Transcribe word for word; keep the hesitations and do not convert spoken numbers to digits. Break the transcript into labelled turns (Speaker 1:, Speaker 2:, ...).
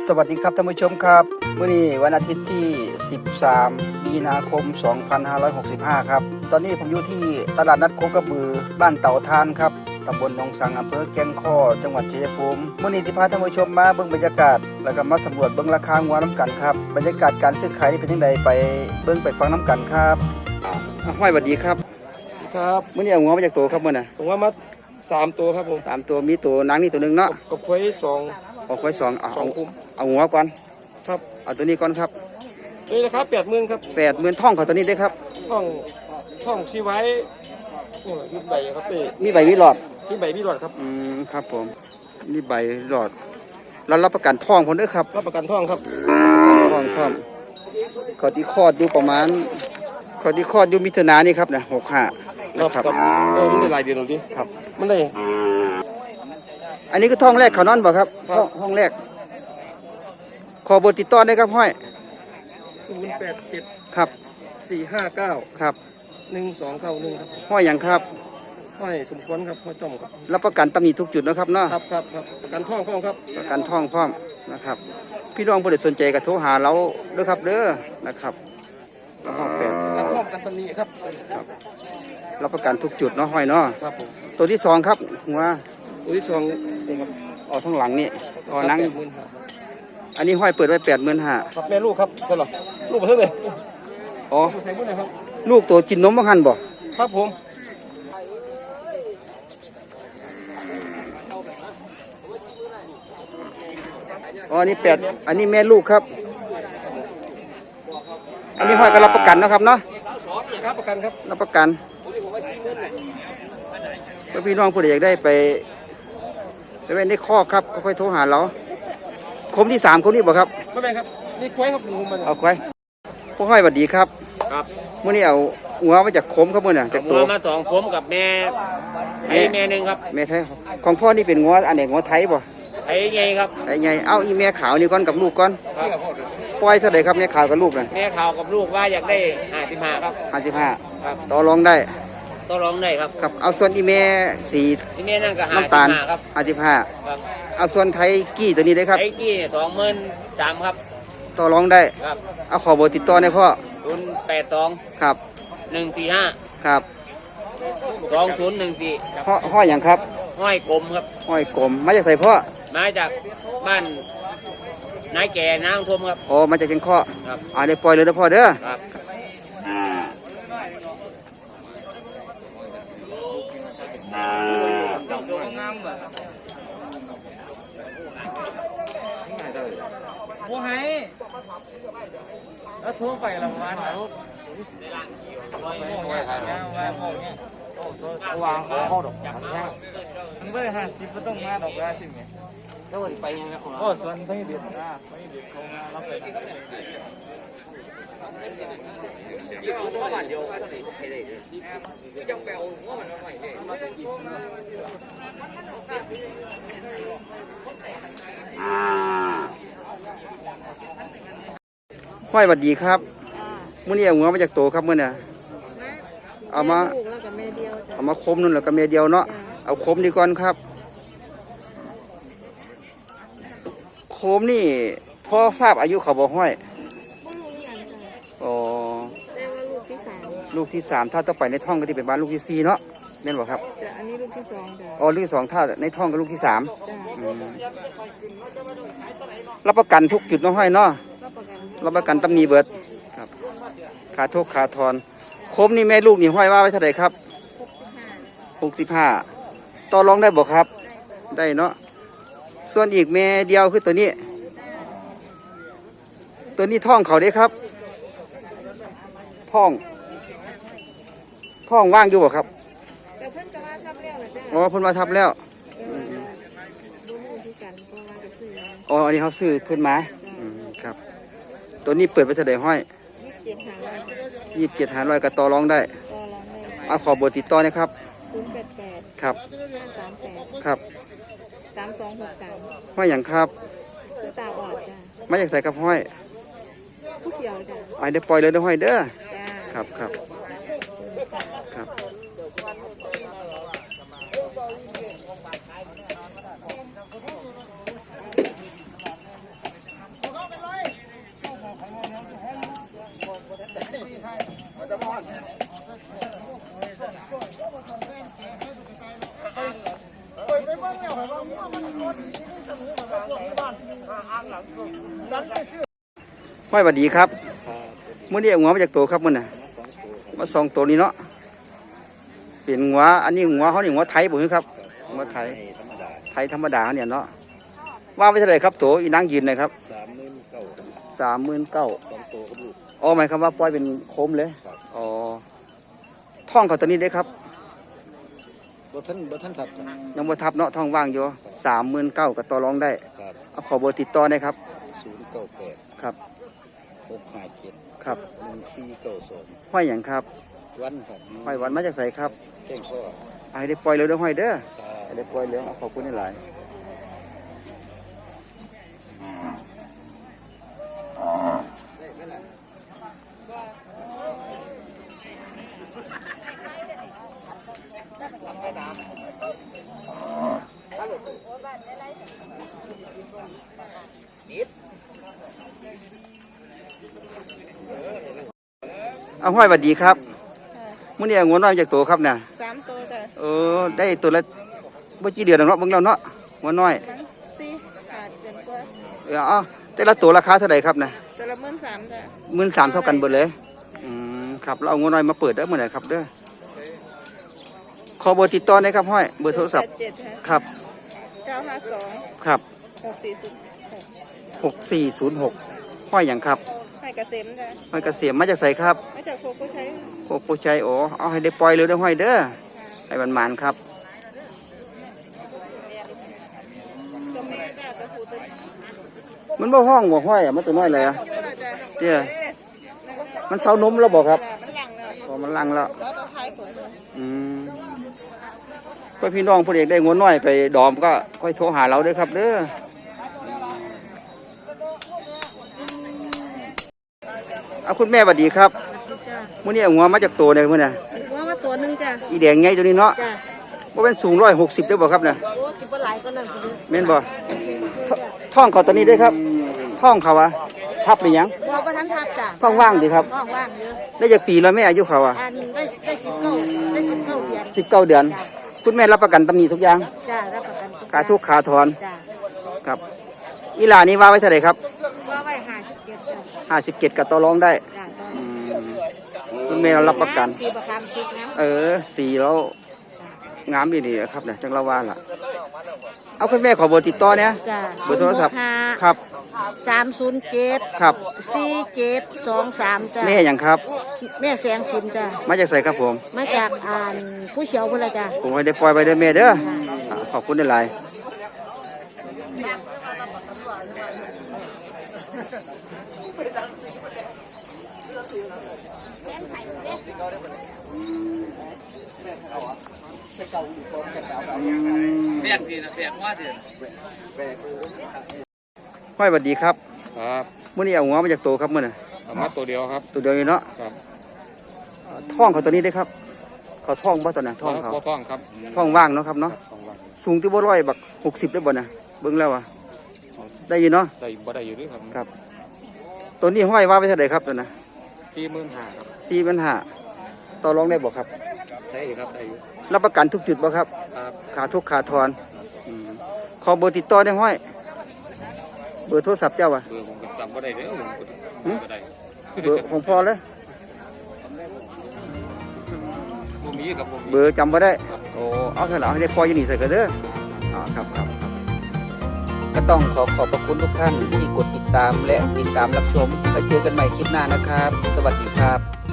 Speaker 1: สวัสดีครับท่านผู้ชมครับมื้อนี้วันอาทิตย์ที่สิบสามมีนาคมสองพันห้าร้อยหกสิบห้าครับตอนนี้ผมอยู่ที่ตลาดนัดโคกระบือบ้านเต่าทานครับตำบลหนองสังอำเภอแก่งข้อจังหวัดชัยภูมิมื้อนี้ที่พาท่านผู้ชมมาเบิ่งบรรยากาศแล้วก็มาสำรวจเบิ่งราคางัวน้ำกันครับบรรยากาศการซื้อขายนี่เป็นจังไดไปเบิ่งไปฟังน้ำกันครับห้อยสวัสดีครับ
Speaker 2: ครับ
Speaker 1: มื้อนี้เอางัวมาจากตัวครับมื้อน่ะ
Speaker 2: ผมว่ามาสามตัวครับผม
Speaker 1: สามตัวมีตัวนางนี่ตัวนึงเนาะ
Speaker 2: กับควายสอง
Speaker 1: เอาควายสองเอา
Speaker 2: สองคุ้ม
Speaker 1: เอาหัวก่อน
Speaker 2: ครับ
Speaker 1: เอาตัวนี้ก่อนครับ
Speaker 2: นี่นะครับแปดหมื่นครับ
Speaker 1: แปดหมื่นท่องเขาตัวนี้ได้ครับ
Speaker 2: ท่องท่องชีไว้นี่มีใบครับพี่
Speaker 1: มีใบมีหลอด
Speaker 2: มีใบมีหลอดครับ
Speaker 1: อืมครับผมมีใบหลอดแล้วรับประกันท่องผมด้วยครับ
Speaker 2: รับประกันท่องครับ
Speaker 1: ท่องท่องเขาที่คลอดอยู่ประมาณเขาที่คลอดอยู่มิถุนายนนี่ครับนะหกห้า
Speaker 2: นะครับเออมันได้ลายเดียวหนูดิ
Speaker 1: ครับ
Speaker 2: มันได้
Speaker 1: อันนี้คือท่องแรกเขานอนบ่ครับห้องแรกขอเบอร์ติดต่อได้ครับห้อย
Speaker 2: ศูนย์แปดเจ็ด
Speaker 1: ครับ
Speaker 2: สี่ห้าเก้า
Speaker 1: ครับ
Speaker 2: หนึ่งสองเก้าหนึ่งครับ
Speaker 1: ห้อยอย่างครับ
Speaker 2: ห้อยสมควรครับห้อยจ้อมครับ
Speaker 1: รับประกันตำหนิทุกจุดนะครับเนาะ
Speaker 2: ครับครับครับประกันท่องพร้อมครับ
Speaker 1: ประกันท่องพร้อมนะครับพี่น้องผู้ใดสนใจก็โทรหาเราด้วยครับเด้อนะครับแล้วห้องแปด
Speaker 2: รับพร้อมกันตำหนิครับ
Speaker 1: รับประกันทุกจุดเนาะห้อยเนาะ
Speaker 2: ครับผม
Speaker 1: ตัวที่สองครับหัว
Speaker 2: ตัวที่สอง
Speaker 1: ออกทั้งหลังนี่ออกนั่งอันนี้ห้อยเปิดไว้แปดหมื่นห้า
Speaker 2: ครับแม่ลูกครับใช่หรอลูกมาเท่าไหร่
Speaker 1: อ๋อลูกตัวกินนมบ้างหันบ่
Speaker 2: ครับผม
Speaker 1: อ๋ออันนี้แปดอันนี้แม่ลูกครับอันนี้ห้อยก็รับประกันนะครับเนาะ
Speaker 2: รับประกันครับ
Speaker 1: รับประกันเพื่อพี่น้องผู้ใดอยากได้ไปไปเป็นได้ข้อครับก็ค่อยโทรหาเราคมที่สามคนนี้บ่ครับ
Speaker 2: ไม่เป็นครับนี่ควายครับผมมัน
Speaker 1: เอาควายพวกห้อยสวัสดีครับ
Speaker 2: ครับ
Speaker 1: เมื่อนี้เอาหัวมาจากคมครับเมื่อน่ะจากตัว
Speaker 2: มาสองคมกับแม่ไอ้แม่หนึ่งครับ
Speaker 1: แม่ไทยของพ่อนี่เป็นงัวอันไหนงัวไทยบ่
Speaker 2: ไอ้ไงครับ
Speaker 1: ไอ้ไงเอาอีแม่ขาวนี่ก่อนกับลูกก่อนปล่อยเท่าไหร่ครับแม่ขาวกับลูกน่ะ
Speaker 2: แม่ขาวกับลูกว่าอยากได้ห้าสิบห้าครับ
Speaker 1: ห้าสิบห้าครับต่อรองได้
Speaker 2: ต่อรองได้ครับ
Speaker 1: ครับเอาส่วนอีแม่สี
Speaker 2: อีแม่นั่นก็
Speaker 1: น้ำตาลห้าสิบห้า
Speaker 2: ครับ
Speaker 1: เอาส่วนไทยกี้ตัวนี้ได้ครับ
Speaker 2: ไทยกี้สองหมื่นสามครับ
Speaker 1: ต่อรองได้
Speaker 2: ครับ
Speaker 1: เอาขอเบอร์ติดต่อได้พ่อ
Speaker 2: ศูนย์แปดสอง
Speaker 1: ครับ
Speaker 2: หนึ่งสี่ห้า
Speaker 1: ครับ
Speaker 2: สองศูนย์หนึ่งสี่
Speaker 1: ห้อห้อยอย่างครับ
Speaker 2: ห้อยกลมครับ
Speaker 1: ห้อยกลมมาจากใส่พ่อ
Speaker 2: มาจากบ้านนายแก่นางทมครับ
Speaker 1: อ๋อมาจากเชียงข้อ
Speaker 2: ครับ
Speaker 1: อ่าได้ปล่อยเลยนะพ่อเด้อ
Speaker 2: ครับโอ้ยแล้วทั่วไปละวันแล้ววางข้อดอกจับมันไม่ได้ห้าสิบก็ต้องมาดอกละสิไงแล้ววันไปยังไงของเราก็ส่วนไม่เดือดนะไม่เดือดเขามารับไป
Speaker 1: ห้อยสวัสดีครับมื่อนี้เอาหัวมาจากโตครับมื่อเนี่ยเอามาเอามาคมนู่นแล้วก็เมเดียวเนาะเอาคมดีก่อนครับโคมนี่พ่อทราบอายุเขาบอกห้อยอ๋อลูกที่สามถ้าต้องไปในท้องก็ที่เป็นบ้านลูกที่สี่เนาะเน่นบอกครับ
Speaker 3: แต่อันนี้ลูกที่สอง
Speaker 1: อ๋อลูกที่สองถ้าในท้องก็ลูกที่สามรับประกันทุกจุดน้องห้อยเนาะรับประกันตำหนิเบิดครับขาทุกขาทอนโคมนี่แม่ลูกนี่ห้อยว่าไว้เท่าไหร่ครับหกสิบห้าต่อรองได้บอกครับได้เนาะส่วนอีกแม่เดียวคือตัวนี้ตัวนี้ท้องเขาได้ครับท้องท้องว่างอยู่บ่ครับ
Speaker 3: แต่เพิ่นก็ว่าทับแล้วนะจ๊ะ
Speaker 1: อ๋อเพิ่นว่าทับแล้วอ๋ออันนี้เขาซื้อขึ้นมาครับตัวนี้เปิดไปเท่าไหร่ห้อย
Speaker 3: ยี่สิบเจ็ดหาร้อย
Speaker 1: ยี่สิบเจ็ดหาร้อยก็ต่อรองได้
Speaker 3: ต่อรองได้
Speaker 1: เอาขอเบอร์ติดต่อนะครับ
Speaker 3: ศูนย์แปดแปด
Speaker 1: ครับ
Speaker 3: ห้าสามแปด
Speaker 1: ครับ
Speaker 3: สามสองหกสาม
Speaker 1: ห้อยอย่างครับ
Speaker 3: คือตาออดจ้ะ
Speaker 1: ไม่อยากใส่กับห้อย
Speaker 3: ผู้เขียวจ้ะ
Speaker 1: ไอเดี๋ยวปล่อยเลยนะห้อยเด้อ
Speaker 3: จ้า
Speaker 1: ครับครับครับ หห้อยสวัสดีครับมื้อนี้เอาหัวมาจากโตครับมื้อน่ะมาสองตัวนี้เนาะเป็นหัวอันนี้หัวเขานี่หัวไทยบ่ครับหัวไทยไทยธรรมดาเนี่ยเนาะว่าไปเท่าไหร่ครับโตอีนางยืนเลยครับสามหมื่นเก้าสองตัวกับลูกอ๋อหมายความว่าปล่อยเป็นโคมเลยอ๋อท่องเขาตัวนี้ได้ครับบ่ท่านบ่ท่านทับยังบ่ทับเนาะท่องว่างอยู่สามหมื่นเก้ากับต่อรองได้เอาขอเบอร์ติดต่อได้ครับศูนย์เก้าแปดครับหกห้าเจ็ดครับหนึ่งสี่เก้าสองห้อยอย่างครับวันครับห้อยวันมาจากไสครับแจ้งข้อให้ได้ปล่อยเร็วเด้อห้อยเด้อให้ได้ปล่อยเร็วขอบคุณหลายเอาห้อยสวัสดีครับมื้อนี้งวนน้อยจากตัวครับเนี่ย
Speaker 3: สามตัวจ้ะ
Speaker 1: เออได้ตัวละบ่กี่เดือนแล้วเนาะเบิ่งแล้วเนาะงวนน้อย
Speaker 3: มันสี่ขาดเดือนกว่า
Speaker 1: เออเอาแต่ละตัวราคาเท่าไหร่ครับเนี่ย
Speaker 3: แต่ละหมื่นสามจ้ะ
Speaker 1: หมื่นสามเท่ากันเบิดเลยอืมครับเราเอางวนน้อยมาเปิดได้เมื่อไหร่ครับเด้อขอเบอร์ติดต่อหน่อยครับห้อยเบอร์โทรศัพท์
Speaker 3: เจ็ดฮะ
Speaker 1: ครับ
Speaker 3: เก้าห้าสอง
Speaker 1: ครับ
Speaker 3: หกสี่ศูนย์หก
Speaker 1: หกสี่ศูนย์หกห้อยอย่างครับ
Speaker 3: ให้เกษมจ้ะ
Speaker 1: ห้อยเกษมมาจากไสครับ
Speaker 3: มาจากโคโค่ใช้
Speaker 1: โอ้ผู้ใจโอ้เอาให้ได้ปล่อยเร็วเด้อห้อยเด้อให้มันหมานครับ
Speaker 3: ตัวแม่จ้ะตัวผู้ตัวนี้
Speaker 1: มันบ่ห้องบ่ห้อยอ่ะมันตัวน้อยเลยอ่ะ
Speaker 3: อยู่ละจ้ะ
Speaker 1: เนี่ยมันเซานมแล้วบ่ครับ
Speaker 3: จ้ะมันหลังแล้ว
Speaker 1: พอมันลังแล้ว
Speaker 3: แล้วตัวท้ายผลเลย
Speaker 1: อืมเพื่อพี่น้องผู้เด็กได้งวนน้อยไปดอมก็ค่อยโทรหาเราเด้อครับเด้อเอาคุณแม่สวัสดีครับ
Speaker 3: จ้ะ
Speaker 1: มื้อนี้เอาหัวมาจากตัวเนี่ยมื้อน่ะ
Speaker 3: ว่ามาตัวหนึงจ้ะ
Speaker 1: อีแดงไงตัวนี้เนาะ
Speaker 3: จ้ะ
Speaker 1: บ่เป็นสูงร้อยหกสิบได้บ่ครับเนี่ย
Speaker 3: โอ้สิบหลายก็นั่นคือ
Speaker 1: แม่นบ่ทท้องเขาตัวนี้ได้ครับท้องเขาอะทับหรือยัง
Speaker 3: ว่าประทันทับจ้ะ
Speaker 1: ท้องว่างดีครับ
Speaker 3: ท้องว่างเยอะ
Speaker 1: ได้จากปีแล้วแม่อายุเขาอะ
Speaker 3: อันได้ได้สิบเก้าได้สิบเก้าเดือน
Speaker 1: สิบเก้าเดือน คุณแม่รับประกันตำหนิทุกอย่าง
Speaker 3: จ้ะรับประกัน
Speaker 1: ขาทุกขาถอน
Speaker 3: จ้ะ
Speaker 1: ครับอีหลานี่ว่าไว้เท่าไหร่ครับ
Speaker 3: ว่าไว้ห้าสิบเจ็ดจ้ะ
Speaker 1: ห้าสิบเจ็ดกับต่อรองได้
Speaker 3: จ้ะตอน
Speaker 1: อืมคุณแม่เรารับประกัน
Speaker 3: สีประคำสุกนะ
Speaker 1: เออสีแล้วงามดีๆครับเนี่ยจังละว่าล่ะ เอาคุณแม่ขอเบอร์ติดต่อเนี่ย
Speaker 3: จ้ะ
Speaker 1: เบอร์โทรศัพท์
Speaker 3: ห้า
Speaker 1: ครับ
Speaker 3: สามศูนย์เจ็ด
Speaker 1: ครับ
Speaker 3: สี่เจ็ดสองสามจ้ะ
Speaker 1: แม่อย่างครับ
Speaker 3: แม่แสงสินจ้ะ
Speaker 1: มาจากใส่ครับผม
Speaker 3: มาจากอ่านผู้เขียวพุ่นละจ้ะ
Speaker 1: ผมให้ได้ปล่อยไปเด้อแม่เด้ออ่าขอบคุณหลายๆ
Speaker 2: เฟียดทีนะเฟียดว่าที
Speaker 1: ห้อยสวัสดีครับ
Speaker 2: ครับ
Speaker 1: มื้อนี้เอาหัวมาจากตัวครับมื้อน่ะ
Speaker 2: เอามาตัวเดียวครับ
Speaker 1: ตัวเดียวนี่เนาะ
Speaker 2: ครับ
Speaker 1: อ่าท้องเขาตัวนี้ได้ครับ เขาท้องบ่ตัวน่ะท้องเขา
Speaker 2: ท้องครับ
Speaker 1: ท้องว่างเนาะครับเนาะ
Speaker 2: ท้องว่าง
Speaker 1: สูงที่บ่ร้อยบักหกสิบได้บ่น่ะเบิ่งแล้วอ่ะได้อยู่เนาะ
Speaker 2: ได้บ่ได้อยู่ด้วยครับ
Speaker 1: ครับ ตัวนี้ห้อยว่าไว้เท่าไหร่ครับตัวน่ะ
Speaker 2: สี่หมื่นห้าครับ
Speaker 1: สี่พันห้าต่อรองได้บ่ครับ
Speaker 2: ได้อยู่ครับได้อยู่
Speaker 1: รับประกันทุกจุดบ่ครับ
Speaker 2: ครับ
Speaker 1: ขาทุกขาทอนอืมขอเบอร์ติดต่อได้ห้อย เบอร์โทรศัพท์เจ้าว่ะ
Speaker 2: เบอร์ผมก็จำบ่ได้เด้อผมก็
Speaker 1: หืม
Speaker 2: บ่ได้
Speaker 1: เบอร์ของพ่อเลย
Speaker 2: บ่มีครับบ่มี
Speaker 1: เบอร์จำบ่ได้ โอ้ เอาเถอะเอาให้ได้พออยู่นี่ใส่กันเด้ออ๋อครับครับครับ ก็ต้องขอขอบพระคุณทุกท่านที่กดติดตามและติดตามรับชมแล้วเจอกันใหม่คลิปหน้านะครับ สวัสดีครับ